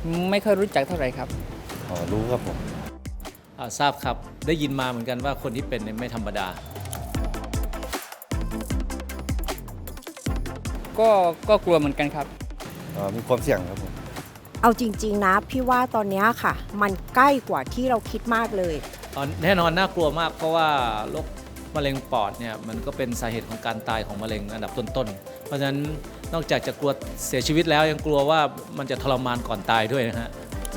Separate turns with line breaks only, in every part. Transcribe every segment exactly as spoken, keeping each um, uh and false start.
ไม่ค่อยรู้จักเท่าไหร่ครับ
อ๋อรู้ครับผม
อ่าทราบครับได้ยินมาเหมือนกันว่าคนที่เป็นเนี่ยไม่ธรรมดา
ก็ก็กลัวเหมือนกันครับ
อ๋อมีความเสี่ยงครับผม
เอาจริงๆนะพี่ว่าตอนนี้ค่ะ มันใกล้กว่าที่เราคิดมากเลย
แน่นอนน่ากลัวมากเพราะว่าโรคมะเร็งปอดเนี่ยมันก็เป็นสาเหตุของการตายของมะเร็งอันดับต้นๆเพราะฉะนั้นนอกจากจะกลัวเสียชีวิตแล้วยังกลัวว่ามันจะทรมานก่อนตายด้วยนะฮะ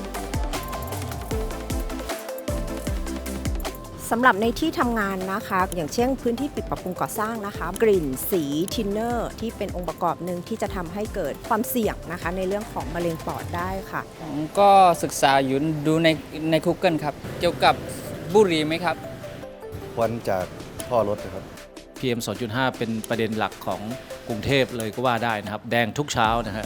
สำหรับในที่ทำงานนะคะอย่างเช่นพื้นที่ปิดปรับปรุงก่อสร้างนะคะกลิ่นสีทินเนอร์ที่เป็นองค์ประกอบหนึ่งที่จะทำให้เกิดความเสี่ยงนะคะในเรื่องของมะเร็งปอดได้ค่ะ
ผมก็ศึกษาอยู่ดูในใน Google ครับเกี่ยวกับบุหรี่ไหมครับ
ควันจากท่อรถนะครับ
พี เอ็ม สองจุดห้า เป็นประเด็นหลักของกรุงเทพเลยก็ว่าได้นะครับแดงทุกเช้านะฮะ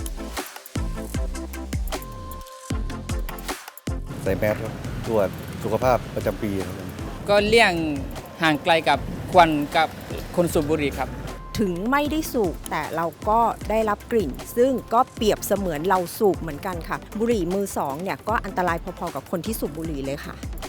ใส่แมสครับตรวจสุขภาพประจำปีครับ
ก็เลี่ยงห่างไกลกับควันกับคนสูบบุหรี่ครับ
ถึงไม่ได้สูบแต่เราก็ได้รับกลิ่นซึ่งก็เปรียบเสมือนเราสูบเหมือนกันค่ะบุหรี่มือสองเนี่ยก็อันตรายพอๆกับคนที่สูบบุหรี่เลยค่ะ